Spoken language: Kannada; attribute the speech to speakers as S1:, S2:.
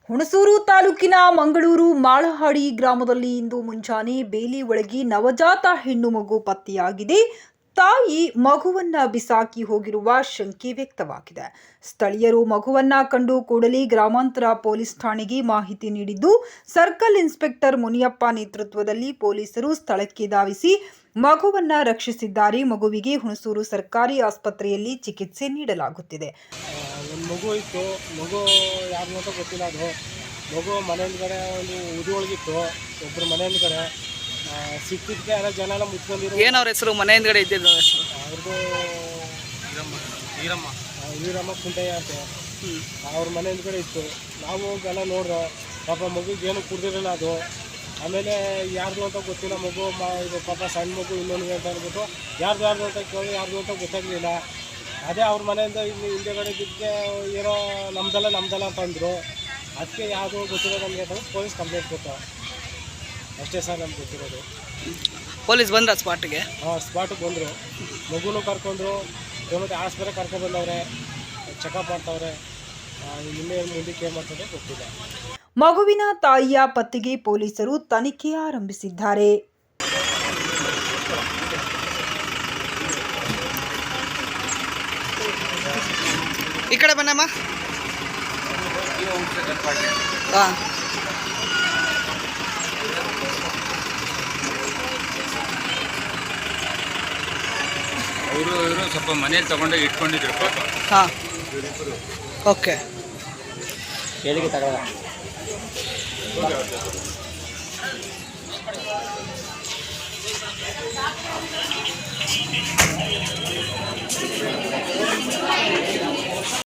S1: ಹುಣಸೂರು ತಾಲೂಕಿನ ಮಂಗಳೂರು ಮಾಳಹಾಡಿ ಗ್ರಾಮದಲ್ಲಿ ಇಂದು ಮುಂಜಾನೆ ಬೇಲಿ ಒಳಗೆ ನವಜಾತ ಹೆಣ್ಣು ಮಗು ಪತ್ತೆಯಾಗಿದೆ. ತಾಯಿ ಮಗುವನ್ನ ಬಿಸಾಕಿ ಹೋಗಿರುವ ಶಂಕೆ ವ್ಯಕ್ತವಾಗಿದೆ. ಸ್ಥಳೀಯರು ಮಗುವನ್ನ ಕಂಡು ಕೂಡಲೇ ಗ್ರಾಮಾಂತರ ಪೊಲೀಸ್ ಠಾಣೆಗೆ ಮಾಹಿತಿ ನೀಡಿದ್ದು, ಸರ್ಕಲ್ ಇನ್ಸ್ಪೆಕ್ಟರ್ ಮುನಿಯಪ್ಪ ನೇತೃತ್ವದಲ್ಲಿ ಪೊಲೀಸರು ಸ್ಥಳಕ್ಕೆ ಧಾವಿಸಿ ಮಗುವನ್ನ ರಕ್ಷಿಸಿದ್ದಾರೆ. ಮಗುವಿಗೆ ಹುಣಸೂರು ಸರ್ಕಾರಿ ಆಸ್ಪತ್ರೆಯಲ್ಲಿ ಚಿಕಿತ್ಸೆ ನೀಡಲಾಗುತ್ತಿದೆ.
S2: ಒಂದು ಮಗು ಇತ್ತು. ಮಗು ಯಾರು ಅಂತ ಗೊತ್ತಿಲ್ಲ. ಅದು ಮಗು ಮನೆ ಹಿಂದ್ಗಡೆ ಒಂದು ಉದಿ ಒಳಗಿತ್ತು. ಒಬ್ಬರು ಮನೆ ಹಿಂದ್ಗಡೆ ಸಿಕ್ಕಿದ್ದಕ್ಕೆ ಎಲ್ಲ ಜನ ಎಲ್ಲ ಮುಚ್ಕೊಂಡಿರೋ.
S3: ಏನು ಅವ್ರ ಹೆಸರು? ಮನೆ ಹಿಂದ್ಗಡೆ ಇದ್ದಿದ್ದು
S2: ಅವ್ರದ್ದು ಈರಮ್ಮ ಕುಂಟಯ್ಯ ಅಂತ. ಅವ್ರ ಮನೆ ಹಿಂದ್ಗಡೆ ಇತ್ತು. ನಾವು ಎಲ್ಲ ನೋಡ್ರೆ ಪಾಪ ಮಗುಗೆ ಏನು ಕುಡ್ದಿರಲಿಲ್ಲ ಅದು. ಆಮೇಲೆ ಯಾರ್ದು ಅಂತ ಗೊತ್ತಿಲ್ಲ. ಮಗು ಇದು ಪಾಪ ಸಣ್ಣ ಮಗು ಇನ್ನೊಂದು ಅಂತ ಅಂದ್ಬಿಟ್ಟು ಯಾರ್ದು ಅಂತ ಕೇಳಿ ಯಾರ್ದು ಅಂತ ಗೊತ್ತಾಗಲಿಲ್ಲ. ಅದೇ ಅವ್ರ ಮನೆಯಿಂದ ಇಲ್ಲಿ ಹಿಂದೆಗಡೆ ಬಿದ್ದಕ್ಕೆ ಏನೋ ನಮ್ದಲ್ಲ ಅಂತ ಅಂದರು. ಅದಕ್ಕೆ ಯಾವುದೋ ಗೊತ್ತಿರೋ ನಮಗೆ ಅಂತ ಪೊಲೀಸ್ ಕಂಪ್ಲೇಂಟ್ ಕೊಟ್ಟು ಅಷ್ಟೇ ಸರ್ ನಮ್ಗೆ ಗೊತ್ತಿರೋದು.
S3: ಪೊಲೀಸ್ ಬಂದ್ರ ಸ್ಪಾಟ್ಗೆ?
S2: ಹಾಂ, ಸ್ಪಾಟಿಗೆ ಬಂದರು. ಮಗುನೂ ಕರ್ಕೊಂಡ್ರು. ಮತ್ತು ಆಸ್ಪತ್ರೆ ಕರ್ಕೊಂಡ್ಬಂದವ್ರೆ, ಚೆಕಪ್ ಮಾಡ್ತಾವ್ರೆ. ನಿನ್ನೆ ಮುಂದಕ್ಕೆ ಏನು ಮಾಡ್ತಾರೆ ಗೊತ್ತಿಲ್ಲ.
S1: ಮಗುವಿನ ತಾಯಿಯ ಪತ್ತೆಗೆ ಪೊಲೀಸರು ತನಿಖೆ ಆರಂಭಿಸಿದ್ದಾರೆ.
S3: ಈ ಕಡೆ ಬನ್ನಮ್ಮ. ಹಾಂ,
S4: ಅವರು ಸ್ವಲ್ಪ ಮನೇಲಿ ತಗೊಂಡೋಗಿ ಇಟ್ಕೊಂಡಿದ್ರು ಪಾಪ.
S3: ಹಾಂ, ಓಕೆ.
S2: ಹೇಳಿಕೆ ತಗೊಳ್ಳ